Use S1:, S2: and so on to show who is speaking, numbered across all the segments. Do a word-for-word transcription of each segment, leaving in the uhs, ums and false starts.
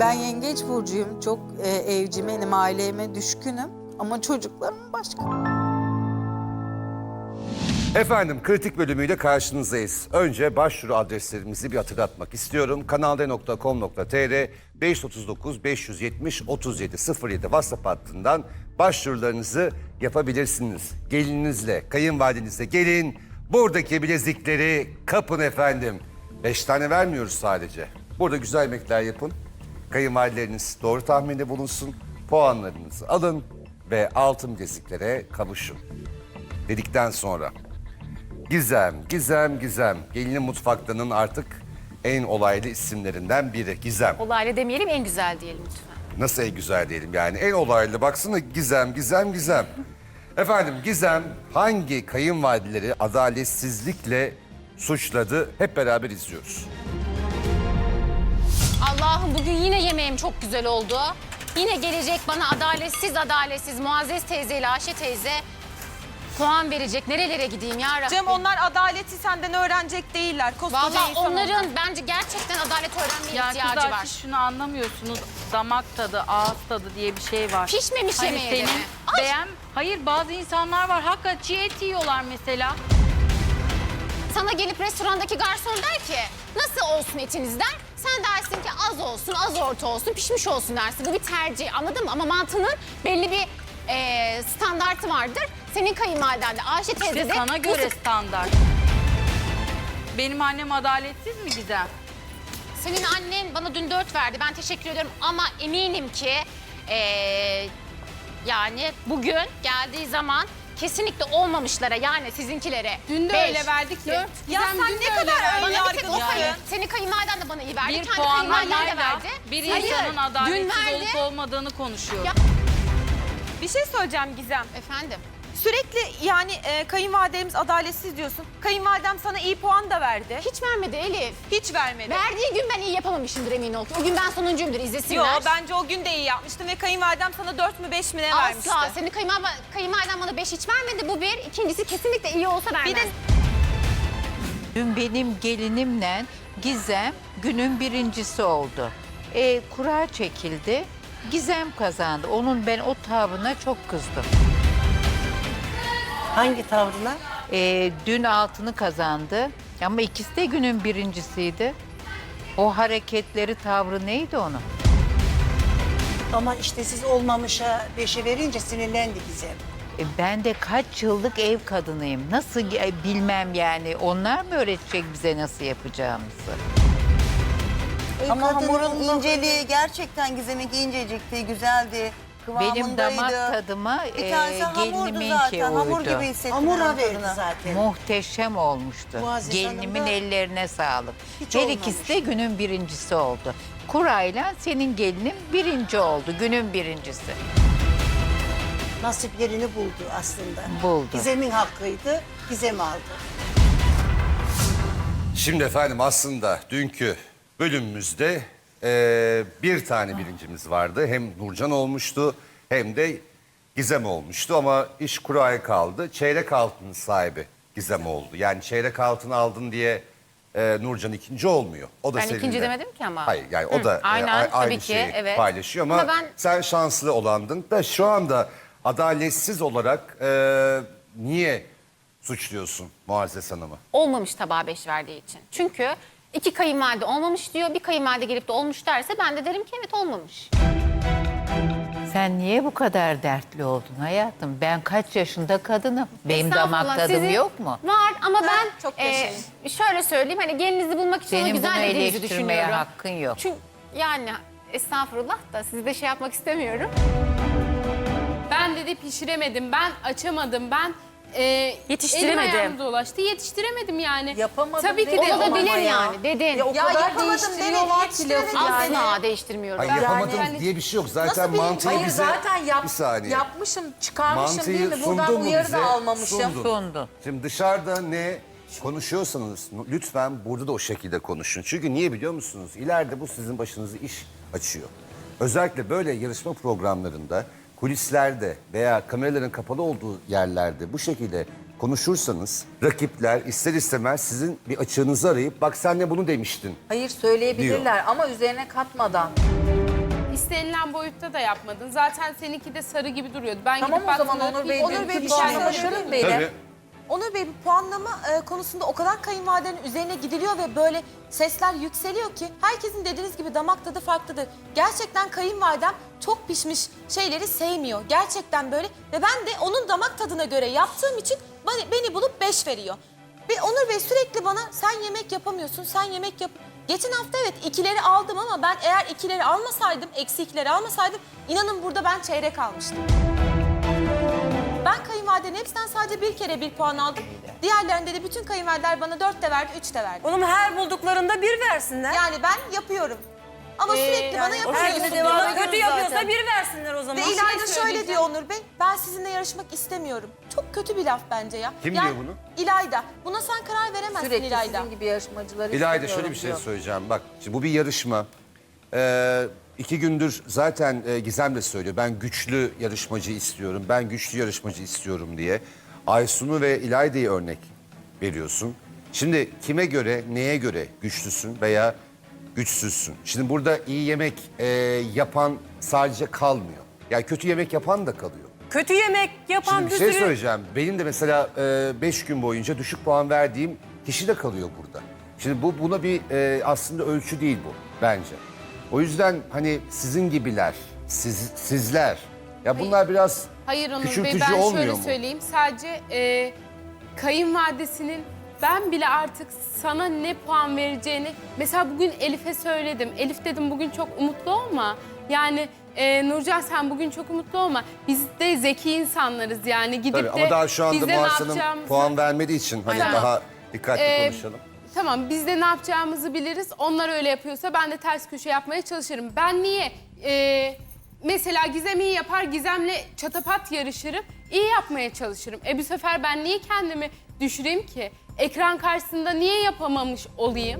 S1: Ben yengeç burcuyum. Çok e, evcimenim, aileme düşkünüm. Ama çocuklarım başka.
S2: Efendim kritik bölümüyle karşınızdayız. Önce başvuru adreslerimizi bir hatırlatmak istiyorum. kanalde nokta com nokta tr beş otuz dokuz beş yüz yetmiş otuz yedi sıfır yedi WhatsApp hattından başvurularınızı yapabilirsiniz. Gelininizle, kayınvalidenizle gelin. Buradaki bilezikleri kapın efendim. Beş tane vermiyoruz sadece. Burada güzel yemekler yapın. Kayınvalideleriniz doğru tahminde bulunsun. Puanlarınızı alın ve altın bileziklere kavuşun. Dedikten sonra Gizem, Gizem, Gizem. Gelinin mutfaktanın artık en olaylı isimlerinden biri. Gizem.
S3: Olaylı demeyelim, en güzel diyelim lütfen.
S2: Nasıl en güzel diyelim yani? En olaylı baksana Gizem, Gizem, Gizem. Efendim Gizem hangi kayınvalideleri adaletsizlikle suçladı? Hep beraber izliyoruz.
S3: Allah'ım bugün yine yemeğim çok güzel oldu. Yine gelecek bana adaletsiz adaletsiz Muazzez teyzeyle Ayşe teyze puan verecek. Nerelere gideyim ya Rabbim?
S4: Cem onlar adaleti senden öğrenecek değiller. Koskoca
S3: Vallahi
S4: insan
S3: onların
S4: onlar.
S3: bence gerçekten adalet öğrenmeye
S5: Ya
S3: ihtiyacı
S5: kızlar
S3: var.
S5: siz şunu anlamıyorsunuz. Damak tadı, ağız tadı diye bir şey var.
S3: Pişmemiş
S5: Hani
S3: yemeğe de
S5: senin
S3: mi? Ay!
S5: beğen... Hayır bazı insanlar var hakikaten çiğ et yiyorlar mesela.
S3: Sana gelip restorandaki garson der ki nasıl olsun etiniz der. Sen dersin ki az olsun, az orta olsun, pişmiş olsun dersin. Bu bir tercih, anladın mı? Ama mantının belli bir e, standartı vardır. Senin kayınvaliden de Ayşe teyze
S5: İşte
S3: de...
S5: sana
S3: bu-
S5: göre standart. Benim annem adaletsiz mi Gizem?
S3: Senin annen bana dün dört verdi. Ben teşekkür ediyorum ama eminim ki e, yani bugün geldiği zaman kesinlikle olmamışlara yani sizinkilere.
S6: Dün de
S3: beş,
S6: öyle verdik ki.
S3: dört.
S4: Ya sen ne kadar ön
S3: Bana bir tek o
S4: yargılısın.
S3: kayın. Senin kayınvaliden de bana iyi verdi.
S5: Bir
S3: Kendi kayınvaliden de
S5: puanlamayla
S3: verdi.
S5: bir
S3: Hayır,
S5: insanın
S3: dün
S5: adaletsiz
S3: verdi.
S5: olup olmadığını konuşuyor.
S3: Ya-
S4: Bir şey söyleyeceğim Gizem.
S3: Efendim?
S4: Sürekli yani e, kayınvalidemiz adaletsiz diyorsun. Kayınvalidem sana iyi puan da verdi.
S3: Hiç vermedi Elif.
S4: Hiç vermedi.
S3: Verdiği gün ben iyi yapamamışımdır emin ol. O gün ben sonuncuyumdur izlesinler.
S4: Yo bence o gün de iyi yapmıştın ve kayınvalidem sana dört mü beş mi ne vermişti.
S3: Asla. Senin kayınvaliden, kayınvaliden bana beş hiç vermedi. Bu bir. İkincisi kesinlikle iyi olsa vermez.
S4: Bir de
S7: Dün benim gelinimle Gizem günün birincisi oldu. E, kura çekildi. Gizem kazandı. Onun ben o tavrına çok kızdım.
S8: Hangi tavrına?
S7: E, dün altını kazandı. Ama ikisi de günün birincisiydi. O hareketleri, tavrı neydi onun?
S8: Ama işte siz olmamışa beşe verince sinirlendi Gizem.
S7: E, ben de kaç yıllık ev kadınıyım. Nasıl e, bilmem yani. Onlar mı öğretecek bize nasıl yapacağımızı?
S9: Ama
S8: kadının
S9: hamurun
S8: lafı-
S9: inceliği gerçekten Gizem'inki incecikti, güzeldi. Kıvamındaydı.
S7: Benim damak tadıma
S9: Bir
S7: e,
S9: tanesi hamurdu
S7: geliniminki
S9: zaten. Hamur
S7: uydu.
S9: gibi hissettim.
S8: Hamura
S9: ben
S8: verdi
S9: tadına.
S8: zaten.
S7: Muhteşem olmuştu.
S8: Muazzez
S7: Gelinimin
S8: Hanım da
S7: ellerine sağlık.
S8: hiç
S7: Her
S8: olmamış.
S7: ikisi de günün birincisi oldu. Kurayla senin gelinin birinci oldu. Günün birincisi.
S8: Nasiplerini buldu aslında.
S7: Buldu.
S8: Gizem'in hakkıydı, Gizem aldı.
S2: Şimdi efendim aslında dünkü bölümümüzde eee, bir tane birincimiz vardı. Hem Nurcan olmuştu hem de Gizem olmuştu ama iş kuraya kaldı. Çeyrek altının sahibi Gizem oldu. Yani çeyrek altın aldın diye eee, Nurcan ikinci olmuyor. O da
S3: Ben
S2: seninle.
S3: ikinci demedim ki ama.
S2: Hayır yani o
S3: Hı,
S2: da e,
S3: aynen,
S2: a-
S3: tabii
S2: aynı
S3: ki,
S2: şeyi
S3: evet.
S2: paylaşıyor ama,
S3: Ama ben-
S2: sen şanslı olandın da şu anda adaletsiz olarak eee, niye suçluyorsun Muazzez Hanım'ı?
S3: Olmamış tabağa beş verdiği için. Çünkü iki kayınvalide olmamış diyor. Bir kayınvalide gelip de olmuş derse ben de derim ki evet olmamış.
S7: Sen niye bu kadar dertli oldun hayatım? Ben kaç yaşında kadınım. Benim damak
S3: Estağfurullah,
S7: tadım
S3: sizin
S7: yok mu?
S3: Var ama ben
S4: çok
S3: e,
S4: yaşayın.
S3: şöyle söyleyeyim hani gelinizi bulmak için onu
S7: Senin bunu
S3: güzel dediğinizi
S7: eleştirmeye
S3: düşünüyorum.
S7: hakkın yok.
S3: Çünkü yani estağfurullah da sizi de şey yapmak istemiyorum.
S6: Ben dedi pişiremedim, ben açamadım, ben e,
S3: Yetiştiremedim.
S6: elim ayağım dolaştı, yetiştiremedim yani.
S8: Yapamadım
S6: Tabii ki
S8: dedi
S6: de
S8: ama
S3: Olabilir
S8: ya.
S3: yani dedin.
S8: Ya o
S4: Ya
S8: kadar
S4: yapamadım
S8: değiştiriyorlar
S4: dedi,
S8: ki lafı yani.
S3: Asla değiştirmiyorum.
S2: Hayır yapamadım
S6: yani-
S2: diye bir şey yok. Zaten
S8: Nasıl bir-
S2: mantığı
S8: Hayır,
S2: bize...
S8: zaten yap-
S2: bir saniye.
S8: yapmışım, çıkarmışım
S2: Mantıyı
S8: değil mi? Buradan
S2: sundun mu
S8: uyarı
S2: bize?
S8: da almamışım.
S2: Sundun.
S7: Sundun.
S2: Şimdi dışarıda ne konuşuyorsanız lütfen burada da o şekilde konuşun. Çünkü niye biliyor musunuz? İleride bu sizin başınıza iş açıyor. Özellikle böyle yarışma programlarında, kulislerde veya kameraların kapalı olduğu yerlerde bu şekilde konuşursanız rakipler ister istemez sizin bir açığınızı arayıp bak sen de bunu demiştin.
S10: Hayır söyleyebilirler ama üzerine katmadan.
S6: istenilen boyutta da yapmadın. Zaten seninki de sarı gibi duruyordu. Ben
S5: Tamam
S6: gidip
S5: o zaman
S6: baktığımda
S5: Onur Bey
S6: hiç-
S4: Onur Bey,
S5: dünkü
S4: bir şey
S5: puanlamasının
S4: söyleyebilir
S5: beni.
S2: Tabii.
S4: Onur Bey, bu puanlama e, konusunda o kadar kayınvalidenin üzerine gidiliyor ve böyle sesler yükseliyor ki herkesin dediğiniz gibi damak tadı farklıdır. Gerçekten kayınvalidem çok pişmiş şeyleri sevmiyor. Gerçekten böyle ve ben de onun damak tadına göre yaptığım için beni, beni bulup beş veriyor. Ve Onur Bey sürekli bana sen yemek yapamıyorsun, sen yemek yap... Geçen hafta evet ikileri aldım ama ben eğer ikileri almasaydım, eksi ikileri almasaydım inanın burada ben çeyrek almıştım. Ben kayınvalidenin hepsinden sadece bir kere bir puan aldım. Diğerlerinde de bütün kayınvalideler bana dört de verdi, üç de verdi.
S10: Oğlum her bulduklarında bir versinler.
S4: Yani ben yapıyorum. Ama sürekli bana
S10: Her
S4: yapıyorsun
S10: gün
S4: diyor.
S10: devam kötü yapıyorsa bir versinler o zaman.
S4: Ve İlayda şöyle diyor Onur Bey, ben sizinle yarışmak istemiyorum. Çok kötü bir laf bence ya.
S2: Kim
S4: Yani
S2: diyor bunu?
S4: İlayda. Buna sen karar veremezsin
S5: Sürekli
S4: İlayda.
S5: sizin gibi yarışmacıları
S2: İlayda
S5: istemiyorum
S2: şöyle bir şey
S5: diyor.
S2: söyleyeceğim. Bak şimdi bu bir yarışma. Ee, iki gündür zaten e, Gizem de söylüyor. Ben güçlü yarışmacı istiyorum. Ben güçlü yarışmacı istiyorum diye. Aysun'u ve İlayda'yı örnek veriyorsun. Şimdi kime göre, neye göre güçlüsün veya güçsüzsün? Şimdi burada iyi yemek e, yapan sadece kalmıyor. Yani kötü yemek yapan da kalıyor.
S10: Kötü yemek yapan
S2: Şimdi bir
S10: bir
S2: şey
S10: sürü...
S2: söyleyeceğim. Benim de mesela e, beş gün boyunca düşük puan verdiğim kişi de kalıyor burada. Şimdi bu buna bir e, aslında ölçü değil bu bence. O yüzden hani sizin gibiler, siz, sizler ya bunlar biraz
S6: Hayır Onur Bey,
S2: küçültücü
S6: ben
S2: olmuyor
S6: şöyle
S2: mu?
S6: söyleyeyim. Sadece e, kayınvalidesinin ben bile artık sana ne puan vereceğini... Mesela bugün Elif'e söyledim. Elif dedim bugün çok umutlu olma. Yani e, Nurcan sen bugün çok umutlu olma. Biz de zeki insanlarız yani. Gidip
S2: Tabii,
S6: de
S2: ama daha şu anda
S6: biz de ne
S2: Muhasa'nın
S6: yapacağımızı-
S2: puan vermediği için hani
S6: Tamam.
S2: daha dikkatli
S6: Ee,
S2: konuşalım.
S6: Tamam, biz de ne yapacağımızı biliriz. Onlar öyle yapıyorsa ben de ters köşe yapmaya çalışırım. Ben niye? Ee, mesela Gizem iyi yapar, Gizem'le çatapat yarışırım. İyi yapmaya çalışırım. E bu sefer ben niye kendimi düşüreyim ki? Ekran karşısında niye yapamamış olayım?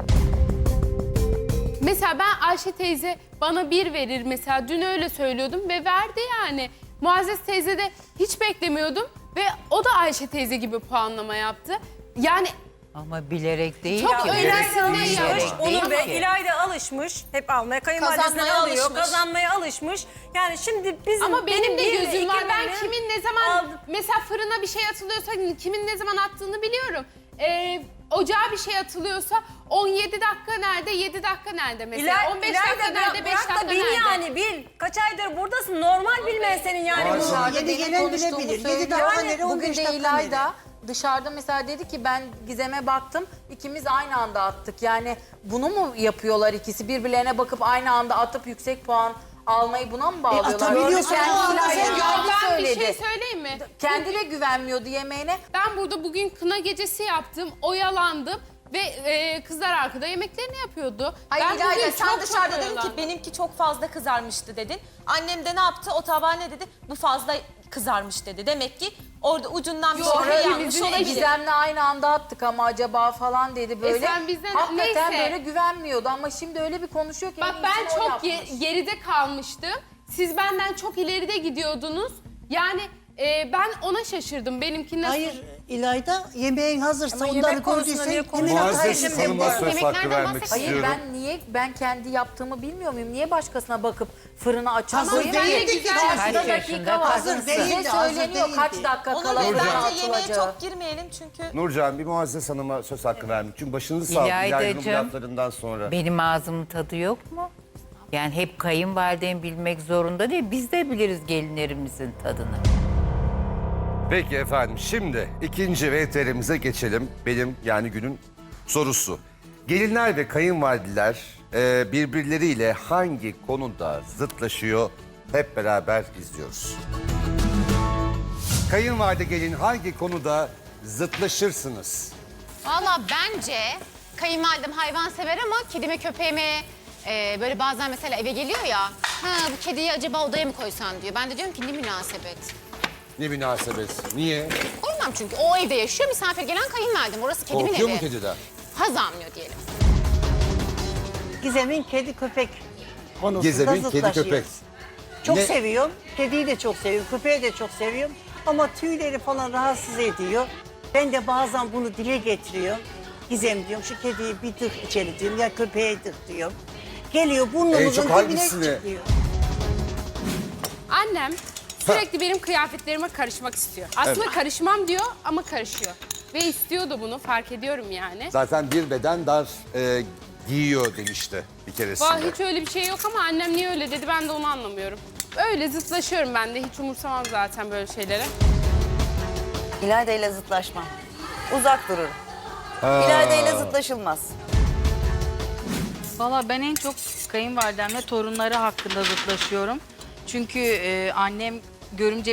S6: Mesela ben Ayşe teyze bana bir verir mesela. Dün öyle söylüyordum ve verdi yani. Muazzez teyze de hiç beklemiyordum. Ve o da Ayşe teyze gibi puanlama yaptı. Yani
S7: Ama bilerek değil
S6: Çok
S7: ki.
S6: önemli
S7: Bilerek
S6: değil
S7: değil
S6: yani.
S10: Onur Bey,
S7: ki.
S10: İlayda alışmış. Hep almaya, kayınvalidesinden
S4: Kazanmaya
S10: alıyor.
S4: alışmış.
S10: Kazanmaya alışmış. Yani şimdi bizim...
S6: ama benim de
S10: bir
S6: gözüm
S10: iki
S6: var. Ben
S10: benim
S6: kimin ne zaman
S10: aldım.
S6: mesela fırına bir şey atılıyorsa kimin ne zaman attığını biliyorum. Ee, ocağa bir şey atılıyorsa on yedi dakika nerede, yedi dakika nerede mesela?
S10: İlay,
S6: on beş
S10: İlayda
S6: dakika
S10: bırak-
S6: nerede, beş
S10: bırak da
S6: dakika
S10: bil
S6: nerede?
S10: yani bil. Kaç aydır buradasın. Normal bilmen senin yani bunu.
S8: Yeni
S5: Benim
S8: gelen
S5: konuştuğumu
S8: bilebilir.
S5: söylüyor.
S8: Yedi dakika
S5: Yani
S8: nere, on
S5: bugün
S8: beş
S5: de
S8: dakika
S5: İlayda
S8: nere?
S5: dışarıda mesela dedi ki ben Gizem'e baktım, ikimiz aynı anda attık. Yani bunu mu yapıyorlar ikisi? Birbirlerine bakıp aynı anda atıp yüksek puan almayı buna mı bağlıyorlar?
S8: atabiliyorsun
S5: Kendi
S8: ama
S5: İlayda
S8: sen
S5: kendi
S6: Ben bir
S5: söyledi.
S6: şey söyleyeyim mi?
S5: Kendi de güvenmiyordu yemeğine.
S6: Ben burada bugün kına gecesi yaptım, oyalandım ve e, kızlar arkada yemeklerini yapıyordu.
S4: Hayır
S6: ben
S4: İlayda
S6: bugün
S4: sen
S6: çok
S4: dışarıda
S6: çok
S4: dedin ki
S6: oyalandım.
S4: benimki çok fazla kızarmıştı dedin. Annem de ne yaptı? O tabağa ne dedi? Bu fazla kızarmış dedi. Demek ki orada ucundan bir
S5: Sonra
S4: şey yanlış
S5: bizim
S4: olabilir.
S5: Gizem'le aynı anda attık ama acaba falan dedi böyle.
S6: E sen bizden-
S5: Hakikaten
S6: neyse.
S5: böyle güvenmiyordu ama şimdi öyle bir konuşuyor ki.
S6: Bak
S5: en
S6: ben
S5: iyisini o
S6: çok ge-
S5: yapmış.
S6: geride kalmıştım. Siz benden çok ileride gidiyordunuz. Yani e, ben ona şaşırdım. Benimki nasıl?
S8: Hayır İlayda, yemeğin hazırsa
S10: Ama
S8: onları
S10: yemek konusunda
S8: gördüysen
S10: niye
S8: yemek
S2: Muazzez
S8: atarsın.
S2: Hanım'a söz hakkı
S3: Yemeklerden
S2: vermek
S3: bahsetmiyorum.
S5: Hayır
S2: istiyorum.
S5: ben niye ben kendi yaptığımı bilmiyor muyum? Niye başkasına bakıp fırını açan
S6: Tamam,
S5: koyayım
S6: ben de
S5: ki?
S6: güzel-
S5: Karşıda
S7: Kaç
S5: dakika
S7: yaşında
S5: var.
S8: Hazır
S5: Size
S8: değildi, hazır
S5: söyleniyor kaç
S8: değildi.
S5: dakika
S4: Onur
S5: kala
S4: Bey
S5: fırına
S4: bence yemeğe
S5: atılacağı.
S4: çok girmeyelim çünkü
S2: Nurcan bir Muazzez Hanım'a söz hakkı vermek. Çünkü başınızı sağ olun İlayda'nın
S7: İlaydacığım,
S2: laflarından sonra.
S7: Benim ağzımın tadı yok mu? Yani hep kayınvalidem bilmek zorunda değil. Biz de biliriz gelinlerimizin tadını.
S2: Peki efendim şimdi ikinci V T R'mize geçelim. Benim yani günün sorusu. Gelinler ve kayınvalideler e, birbirleriyle hangi konuda zıtlaşıyor hep beraber izliyoruz. Kayınvalide gelin hangi konuda zıtlaşırsınız?
S3: Valla bence kayınvalidem hayvan sever ama kedime köpeğime e, böyle bazen mesela eve geliyor ya. Ha bu kediyi acaba odaya mı koysan diyor. Ben de diyorum ki ne münasebet.
S2: Ne münasebet? Niye?
S3: Koymam çünkü o evde yaşıyor misafir gelen kayınvalidem. Orası kedimin
S2: Korkuyor
S3: evi.
S2: mu kediden?
S3: Haz almıyor diyelim.
S8: Gizem'in kedi köpek konusunda
S2: Gizem'in kedi
S8: zıtlaşıyoruz.
S2: köpek.
S8: Çok
S2: Ne?
S8: seviyorum. Kediyi de çok seviyorum. Köpeği de çok seviyorum. Ama tüyleri falan rahatsız ediyor. Ben de bazen bunu dile getiriyorum. Gizem diyorum şu kediyi bir tık içeri diyorum ya köpeğe tık diyorum. Geliyor
S2: En
S8: burnumuzun
S2: çok
S8: dibine
S2: hangisini?
S8: çıkıyor.
S6: Annem sürekli benim kıyafetlerime karışmak istiyor. Aslında karışmam diyor ama karışıyor. Ve istiyor da bunu, fark ediyorum yani.
S2: Zaten bir beden dar e, giyiyor demişti bir keresinde.
S6: Vallahi hiç öyle bir şey yok ama annem niye öyle dedi ben de onu anlamıyorum. Öyle zıtlaşıyorum ben de, hiç umursamam zaten böyle şeylere.
S9: İlayda ile zıtlaşmam. Uzak dururum. İlayda ile zıtlaşılmaz.
S11: Valla ben en çok kayınvalidemle torunları hakkında zıtlaşıyorum. Çünkü e, annem görümce